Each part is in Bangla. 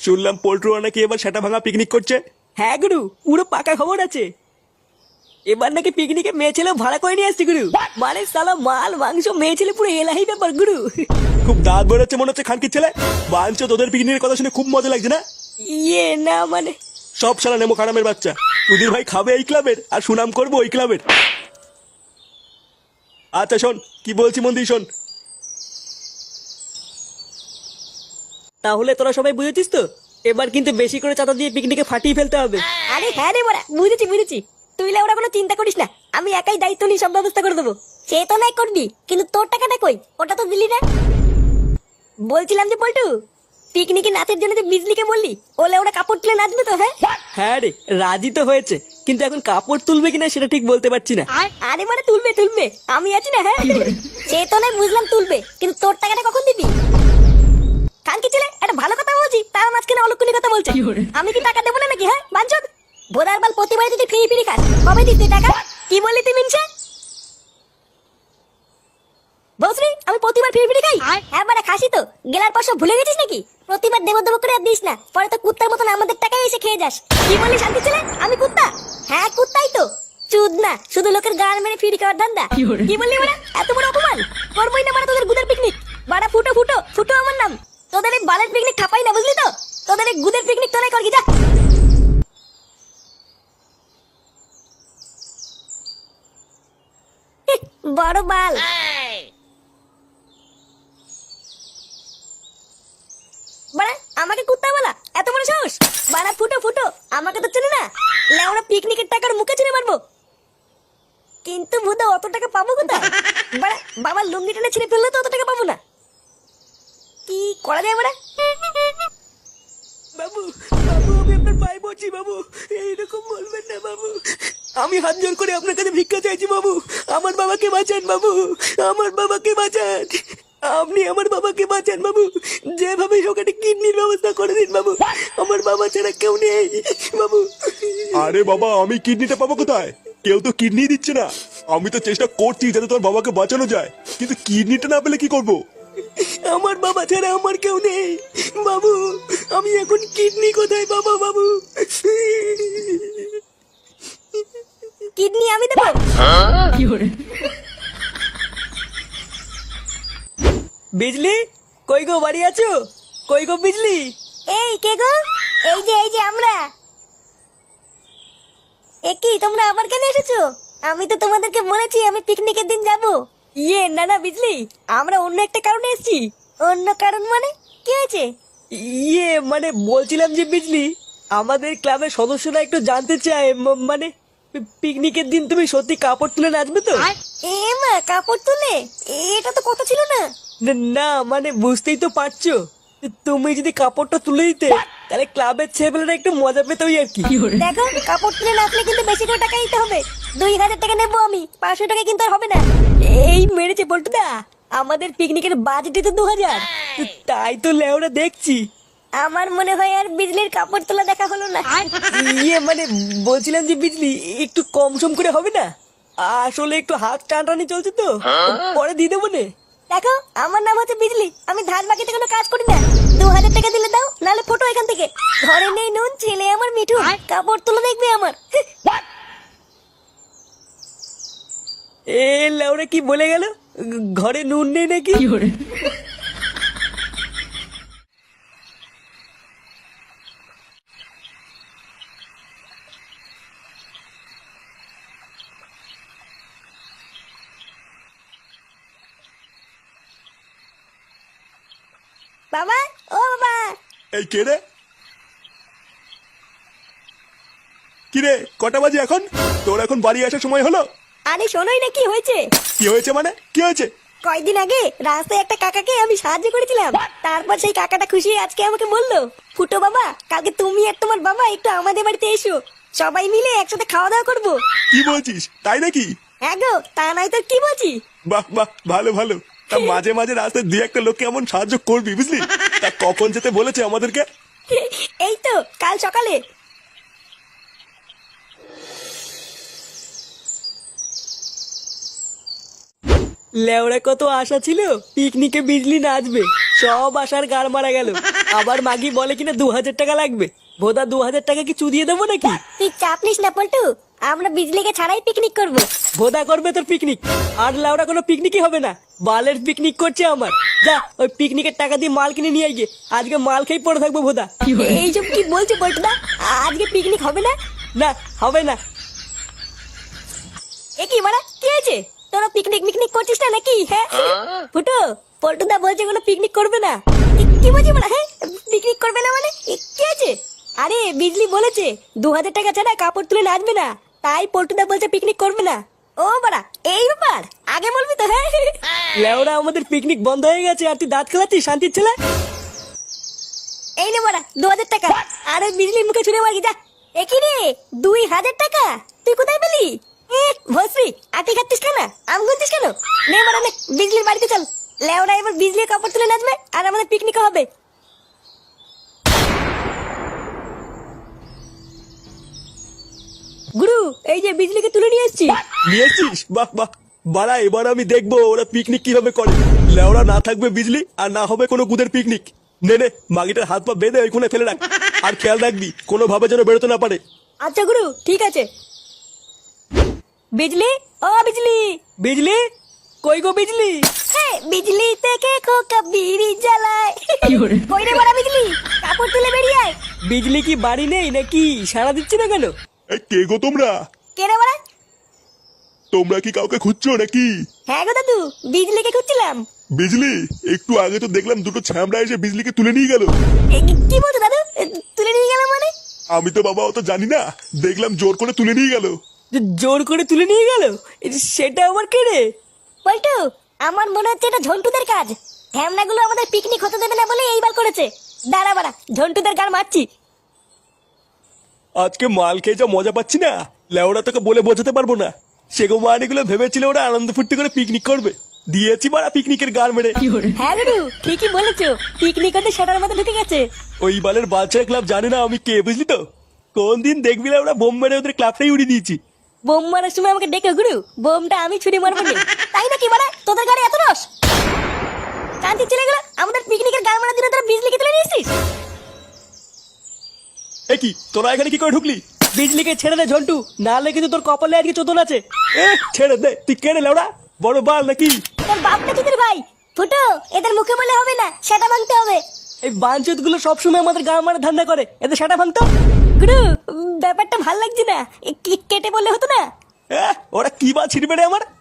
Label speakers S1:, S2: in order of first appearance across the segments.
S1: শুনলাম পোল্ট্রু নাকি এবার সেটা ভাঙা পিকনিক করছে।
S2: হ্যাঁ গুরু, পুরো পাকা খবর আছে। এবার নাকি পিকনিকে মেয়ে ছেলে ভাড়া করে নিয়ে আসছি গুরু। মানে সালা মাল মাংস মেয়ে ছেলে পুরো এলাহি ব্যাপার গুরু।
S1: খুব দাঁত বেরোচ্ছে মনে হচ্ছে খানকির ছেলে। বাঞ্চো তোদের পিকনিকের কথা শুনে খুব মজা লাগছে না?
S2: ইয়ে না মানে
S1: সব শালা নেমো খারামের বাচ্চা। তুদির ভাই খাবে এই ক্লাবের আর সুনাম করবো ওই ক্লাবের। আচ্ছা শোন, কি বলছি মন দিয়ে শোন।
S2: তাহলে তোরা সবাই বুঝেছিস তো, এবার কিন্তু বেশি করে চাঁদা দিয়ে পিকনিকে ফাটিয়ে ফেলতে হবে।
S3: আরে হ্যাঁ রে বড়া, বুঝেছি বুঝেছি। তুই ওরা কোনো চিন্তা করিস না, আমি একাই দায়িত্ব নিয়ে সব ব্যবস্থা করে দেবো। সে তো নাই করবি, কিন্তু তোর টাকাটা কই? ওটা তো দিলি না। বলছিলাম যে পল্টু, পিকনিকে নাচের জন্য যে বিজলিকে বললি, ওলে ওরা কাপড় তুলে নাচবে তো? হ্যাঁ
S2: হ্যাঁ রে, রাজি তো হয়েছে, কিন্তু এখন কাপড় তুলবে কিনা সেটা ঠিক বলতে পারছি না।
S3: আরে মানে তুলবে তুলবে, আমি আছি না। হ্যাঁ সে তো নাই বুঝলাম তুলবে, কিন্তু তোর টাকাটা কখন দিবি? কালকে ছেলে একটা ভালো কথা বলছি, তার মাঝখানে অলক্ষণী কথা বলছে। আমি কি টাকা দেবো না নাকি? হ্যাঁ বাঞ্চদ বোধার বাল, প্রতিবারে তুই ফিরি ফিরি খাস, কবে দিস তুই টাকা? কি বললি তুই মিনছে? বসরি আমি প্রতিবার ফিরি ফিরি খাই? হ্যাঁ মানে খাসি তো, গেলার পর সব ভুলে গেছিস নাকি? প্রতিবার দেবো দেবো করে আর দিস না, পরে তো কুত্তার মতন আমাদের টাকায় এসে খেয়ে যাস। কি বললি শান্তি ছেলে, আমি কুত্তা? হ্যাঁ কুত্তাই তো, চুদ না, শুধু লোকের গান মেরে ফিরি খাওয়ার ধান্দা। কি বললি মানে? এত বড় অপমান করবোই না মানে তোদের গুদের পিকনিক। বাড়া ফুটো ফুটো ফুটো আমার নাম। তোদের এই বালের পিকনিক খাপাই না, বুঝলি তো? তোদের এই গুদের পিকনিক তোরাই করবি, যা। বড় বাল। বাড়া আমাকে কুত্তা বলা, এত বড় সাহস? বাড়া ফুটো ফুটো, আমাকে তো চেনে না। লেওরা পিকনিকের টাকার মুখে ছিঁড়ে মারবো। কিন্তু ভুদা অত টাকা পাবো কোথায়? বাড়া বাবার লুঙ্গি টেনে ছিঁড়ে ফেললে তো অত টাকা পাবো না। কি করা যায় বাড়া?
S2: বাবু বাবু, আমি আপনার পায়ে পড়ছি বাবু, এইরকম বলবেন না বাবু। আমি হাত জোর করে আপনার কাছে ভিক্ষা চাইছি বাবু, আমার বাবাকে বাঁচান বাবু, আমার বাবাকে বাঁচান। আপনি আমার বাবাকে বাঁচান বাবু, যেভাবে হোক একটা কিডনির ব্যবস্থা করে দিন বাবু, আমার বাবা ছাড়া কেউ নেই বাবু।
S1: আরে বাবা, আমি কিডনিটা পাবো কোথায়? কেউ তো কিডনি দিচ্ছে না। আমি তো চেষ্টা করছি যাতে তোর বাবাকে বাঁচানো যায়, কিন্তু কিডনিটা না পেলে কি করবো?
S2: আমার বাবা ছাড়া আমার কেউ নেই বাবু, আমি এখন কিডনি কোথায় পাবো বাবু?
S3: কিডনি আমি দেবো?
S2: বিজলি কই গো, বাড়ি আছো? কই গো বিজলি?
S3: এই কে গো? এই যে আমরা। এ কি তোমরা আবার কেন এসেছো? আমি তো তোমাদেরকে বলেছি আমি পিকনিকের দিন যাব।
S2: ইয়ে না না বিজলি, আমরা অন্য একটা কারণে এসেছি।
S3: অন্য কারণ মানে কি হয়েছে?
S2: ইয়ে মানে বলছিলাম যে বিজলি, আমাদের ক্লাবের সদস্যরা একটু জানতে চায়, মানে পিকনিকের দিন তুমি সত্যি কাপড় তুলে নাচবে তো?
S3: এ মা, কাপড় তুলে? এটা তো কথা ছিল না।
S2: না মানে বুঝতেই তো পারছো, তুমি যদি কাপড়টা তুলে দিতে তাহলে ক্লাবের ছেলেপেলেরা একটু মজা পেত আর কি।
S3: দেখো, কাপড় তুলে নাচলে কিন্তু বেশি করে টাকা দিতে হবে। 2000 টাকা নেবো আমি, 500 টাকা কিন্তু আর হবে না।
S2: এই মেরেছে পল্টুদা, আমাদের পিকনিকের বাজেটে তো 2000। তাই তো লেওরা দেখছি।
S3: আমার মনে হয় আর বিজলির কাপড় তোলা দেখা হলো না।
S2: ইয়ে মানে বলছিলাম যে বিজলি একটু কম সম করে হবে না? আসলে একটু হাত টানটানি চলছে তো, পরে দিয়ে দেবো নে।
S3: দেখো, আমার নাম হচ্ছে বিজলি, আমি ধার বাকিতে কোনো কাজ করি না। 2000 টাকা দিলে দাও, নাহলে ফটো এখান থেকে। ঘরে নেই নুন, ছেলে আমার মিঠু, কাপড় তুলে দেখবে আমার।
S2: এ লেওরা কি বলে গেল, ঘরে নুন নেই নাকি?
S3: বাবা, ও বাবা।
S1: এই কে রে? কি রে, কটা বাজে এখন? তোর এখন বাড়ি আসার সময় হলো?
S3: আরে শোনোই না কি হয়েছে।
S1: কি হয়েছে মানে? কি হয়েছে?
S3: কয়েকদিন আগে রাস্তায় একটা কাকাকে আমি সাহায্য করেছিলাম, তারপর সেই কাকাটা খুশি আজকে আমাকে বললো, ফুটো বাবা কালকে তুমি আর তোমার বাবা একটু আমাদের বাড়িতে এসো, সবাই মিলে একসাথে খাওয়া দাওয়া করবো।
S1: কি বলছিস, তাই নাকি?
S3: হ্যাঁ গো, তা নাই তো কি বলছি।
S1: বাহ বাহ, ভালো ভালো। তা মাঝে মাঝে রাস্তায় দুই একটা লোককে এমন সাহায্য করবি, বুঝলি? তা কখন যেতে বলেছে আমাদেরকে?
S3: এই তো কাল সকালে।
S2: লেওরা কত আশা ছিল পিকনিকে বিজলি নাচবে, সব আশার গাড় মারা গেল। আবার মাগি বলে কিনা 2000 টাকা লাগবে। ভোদা 2000 টাকা কি চুদিয়ে দেবো নাকি?
S3: তুই চাপ নিস না পল্টু, আমরা বিজলিকে ছাড়াই পিকনিক করব।
S2: ভোদা করবে তোর পিকনিক, আর লাউরা কোনো পিকনিকই হবে না। বালের পিকনিক করছে আমার। যা ওই পিকনিকের টাকা দিয়ে মাল কিনে নিয়ে গিয়ে আজকে মাল খেয়ে পড়ে থাকবো ভোদা।
S3: এইসব কি বলছে পল্টুদা? আজকে পিকনিক হবে না?
S2: না হবে না।
S3: এ কি মারা, কি হয়েছে? তোরা পিকনিক করছিস না নাকি? হ্যাঁ ফুটো, পল্টুদা বলছে কোনো পিকনিক করবে না। কি বলছি মারা? হ্যাঁ পিকনিক করবে না মানে কি আছে? আরে বিজলি বলেছে 2000 টাকা ছাড়া কাপড় তুলে নাচবে না, তাই পল্টুদা বলছে পিকনিক করবে না। ও বাড়া, এই ব্যাপার? আগে বলবি তো। হ্যাঁ
S2: লেওরা আমাদের পিকনিক বন্ধ হয়ে গেছে আর তুই দাঁত খেলাচ্ছিস শান্তির ছেলে।
S3: এই নে বাড়া 2000 টাকা। আরে বিজলির মুখে ছুড়ে মারি যা। এ কি রে, 2000 টাকা তুই কোথায় পেলি? ভস্রী, আটি খাচ্ছিস কেন? আম গুনছিস কেন? নে বাড়া নে, বিজলির বাড়িতে চল। লেওরা এবার বিজলির কাপড় তুলে নাচবে আর আমাদের পিকনিক হবে। গুরু, এই যে বিজলিকে তুলে নিয়ে এসেছি।
S1: নিয়ে এসছিস? বাহ বাহ। বাড়া, এবার আমি দেখবো ওরা পিকনিক কিভাবে করে। লেওরা না থাকবে বিজলি আর না হবে কোনো গুদের পিকনিক। নে নে, মাগিটার হাত পা বেঁধে ওইখানে ফেলে রাখ। আর খেয়াল রাখবি কোনো ভাবে যেন বেরোতে না পারে।
S3: আচ্ছা গুরু, ঠিক আছে। বিজলি, ও বিজলি।
S2: বিজলি কই গো বিজলি?
S3: হ্যাঁ, বিজলি থেকে খোকা বিড়ি জ্বালায়। কই রে বড় বিজলি, কাপড় তুলে বেরিয়ে আয়।
S2: বিজলি কি বাড়ি নেই নাকি? সাড়া দিচ্ছি না কেন?
S1: এই কে গো তোমরা?
S3: কে রে বড়?
S1: তোমরা কি কাউকে খুঁজছো নাকি?
S3: হ্যাঁ গো দাদু, বিজলিকে খুঁজছিলাম।
S1: বিজলি, একটু আগে তো দেখলাম দুটো ছ্যামড়া এসে বিজলিকে তুলে নিয়ে গেল।
S3: কি বলছো দাদু? তুলে নিয়ে গেলাম মানে?
S1: আমি তো বাবা অত জানি না, দেখলাম জোর করে তুলে নিয়ে গেল।
S2: জোর করে তুলে নিয়ে গেল? সেটা আমার কে রে?
S3: পল্টু, আমার মনে হচ্ছে এটা ঝন্টুদের কাজ। ঢ্যামনাগুলো আমাদের পিকনিক হতে দেবে না বলে এইবার করেছে। দাঁড়া বাড়া, ঝন্টুদের গান মারছি।
S1: আজকে মাল খেয়ে যা মজা পাচ্ছি না, লেওরা তোকে বলে বোঝাতে পারবো না। সেগো মানিগুলো ভেবেছিল ওরা আনন্দ ফুর্তি করে পিকনিক করবে, দিয়েছি মারা পিকনিকের গান মেরে।
S3: হ্যাঁ গুরু, ঠিকই বলেছো, পিকনিক হতে সেটার মধ্যে ঢুকে গেছে।
S1: ওই বালের বাচ্চা ক্লাব জানে না আমি কে, বুঝলি তো? কোন দিন দেখবি ওরা বোম মেরে ওদের ক্লাবটাই উড়িয়ে দিয়েছি।
S3: বোম মারার সময় আমাকে ডেকে গুরু, বোমটা আমি ছুরি মারবো না। তাই নাকি মারা? তোদের গাড়ি এত রস? শান্তি ছেলে গুলো, আমাদের পিকনিকের গান মারার জন্য তোরা বিজলিকে তুলে নিয়েছিস?
S1: এ কি, তোরা এখানে কি করে ঢুকলি?
S2: বিজলিকে ছেড়ে দে ঝন্টু, নাহলে কিন্তু তোর কপালে আজকে চোদন আছে।
S1: এ ছেড়ে দে, তুই কেড়ে লেওড়া বড় বাল নাকি?
S3: তোর বাপটা তোদের ভাই। ফুটো, এদের মুখে বলে হবে না, সেটা ভাঙতে হবে।
S2: এই বাঞ্চুত গুলো সবসময় আমাদের গাঁ মারা ধান্দা করে, এদের সেটা ভাঙতো।
S3: গুরু, ব্যাপারটা ভাল লাগছে না, কেটে বললে হতো না?
S1: ওরা কি বা ছিড়বে রে আমার?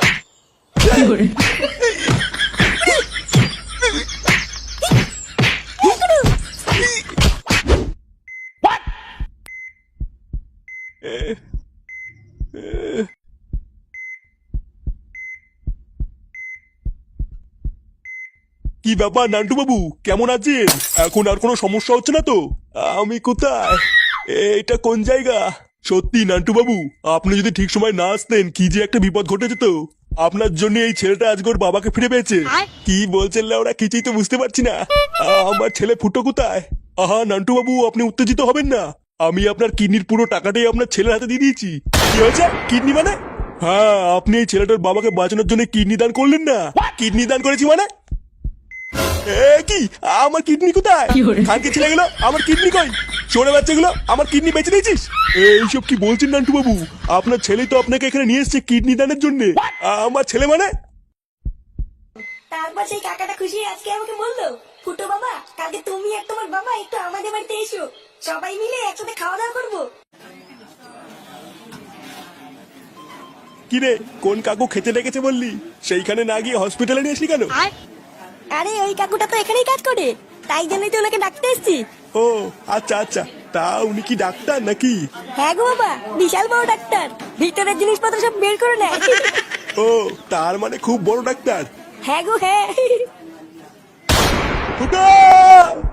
S1: কি ব্যাপার নান্টু বাবু, কেমন আছেন? এখন আর কোনো সমস্যা হচ্ছে না তো? আমি কোথায়? এটা কোন জায়গা? সত্যি নান্টু বাবু, আপনি যদি ঠিক সময় না আসতেন কি যে একটা বিপদ ঘটে যেত। আপনার জন্য এই ছেলেটা আজকে ওর বাবাকে ফিরে পেয়েছে। কি বলছেন ওরা, কিছুই তো বুঝতে পারছি না। আমার ছেলে ফুটো কোথায়? আহা নান্টু বাবু, আপনি উত্তেজিত হবেন না। আমি আপনার কিডনির পুরো টাকাটাই আপনার ছেলের হাতে দিয়ে দিয়েছি। কি হয়েছে? কিডনি মানে? হ্যাঁ, আপনি এই ছেলেটার বাবাকে বাঁচানোর জন্য কিডনি দান করলেন না? কিডনি দান করেছি মানে? কি আমার কিডনি কোথায়? খানকে ছেলে গেলো, আমার কিডনি কই? ছোড়ে বাচ্চাগুলো, আমার কিডনি বেঁচে দিয়েছিস? এইসব কি বলছেন নান্টু বাবু? আপনার ছেলেই তো আপনাকে এখানে নিয়ে এসছে কিডনি দানের জন্য। আমার ছেলে মানে?
S3: তারপর সেই কাকাটা খুশি আজকে আমাকে বললো, ফুটো বাবা, কালকে তুমি আর তোমার বাবা একটু আমাদের বাড়িতে এসো, সবাই মিলে একসাথে খাওয়া দাওয়া করবো।
S1: কি রে, কোন কাকু খেতে ডেকেছে বললি? সেইখানে না গিয়ে হসপিটালে নিয়ে আসলি কেন?
S3: আরে ওই কাকুটা তো এখানেই কাজ করে, তাই জন্যই তো ওনাকে ডাকতে এসেছি।
S1: ও আচ্ছা আচ্ছা, তা উনি কি ডাক্তার নাকি?
S3: হ্যাঁ গো বাবা, বিশাল বড় ডাক্তার, ভিতরের জিনিসপত্র সব বের করে নেয়।
S1: ও, তার মানে খুব বড় ডাক্তার।
S3: হ্যাঁ গো হ্যাঁ।
S1: ফুটো!